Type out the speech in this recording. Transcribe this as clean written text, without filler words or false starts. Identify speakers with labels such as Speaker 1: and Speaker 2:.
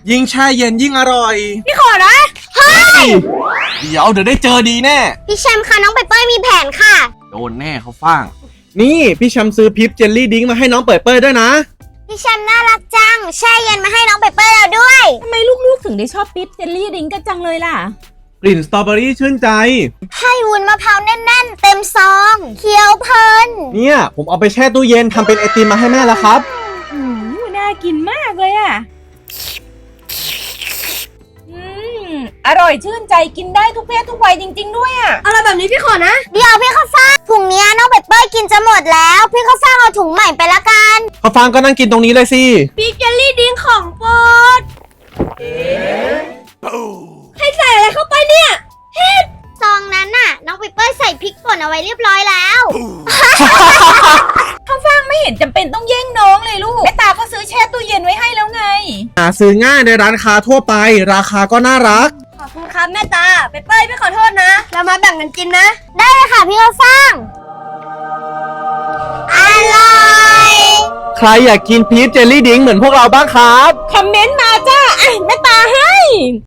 Speaker 1: ยิ่งแช่เย็นยิ่งอร่อย
Speaker 2: พี่ขอนะเฮ้ย
Speaker 1: เดี๋ยวได้เจอดีแน่
Speaker 2: พี่แชมป์ค่ะน้องเปเป้ยมีแผนค่ะ
Speaker 1: โดนแน่เขาฟ้าง นี่พี่แชมป์ซื้อพิปเจลลี่ดิ้งมาให้น้องเปิดเปิดด้วยนะ
Speaker 2: พี่แชมป์น่ารักจังแช่เย็นมาให้น้องเปเป้ยแล้วด้วย
Speaker 3: ทำไมลูกๆถึงได้ชอบปิ๊บเจลลี่ดริงก์กันจังเลยล่ะ
Speaker 1: กลิ่นสตรอเบอรี่ชื่นใจ
Speaker 2: ให้วุ้นมะพร้าวแน่นๆเต็มซองเคี้ยวเพลิน
Speaker 1: เนี่ยผมเอาไปแช่ตู้เย็นทำเป็นไอติมมาให้แม่แล้วครับ
Speaker 3: น่ากินมากเลยอ่ะ อร่อยชื่นใจกินได้ทุกเพศทุกวัยจริงๆด้วยอ่ะ
Speaker 2: อะไรแบบนี้พี่ขอนะ เดี๋ยวพี่ข้าวฟ่างถุงเนี้ยน้องเปเป้ยกินจะหมดแล้วพี่ข้าวฟ่างเอาถุงใหม่ไปละกัน
Speaker 1: ข้าวฟ่างก็นั่งกินตรงนี้เลยสิ
Speaker 2: ปีเจลลี่ดิ้งของโปรดให้ใส่อะไรเข้าไปเนี่ยเฮ็ดซองนั้นน่ะน้องเปเป้ยใส่พริกป่นเอาไว้เรียบร้อยแล้ว
Speaker 3: ข้าวฟ่างไม่เห็นจำเป็นต้องแย่งน้องเลยลูกแม่ตาก็ซื้อแช่ตู้เย็นไว้ให้แล้วไง
Speaker 1: หาซื้อง่ายในร้านค้าทั่วไป ราคาก็น่ารัก
Speaker 2: ขอบคุณครับแม่ตาเปเป้ยพี่ขอโทษนะเรามาแบ่งกันกินนะ ได้เลยค่ะพี่ข้าวฟ่างอร่อย
Speaker 1: ใครอยากกินพีชเจลลี่ดิ้งเหมือนพวกเราบ้างครับ
Speaker 3: คอมเมนต์มาจ้าแม่ตาให้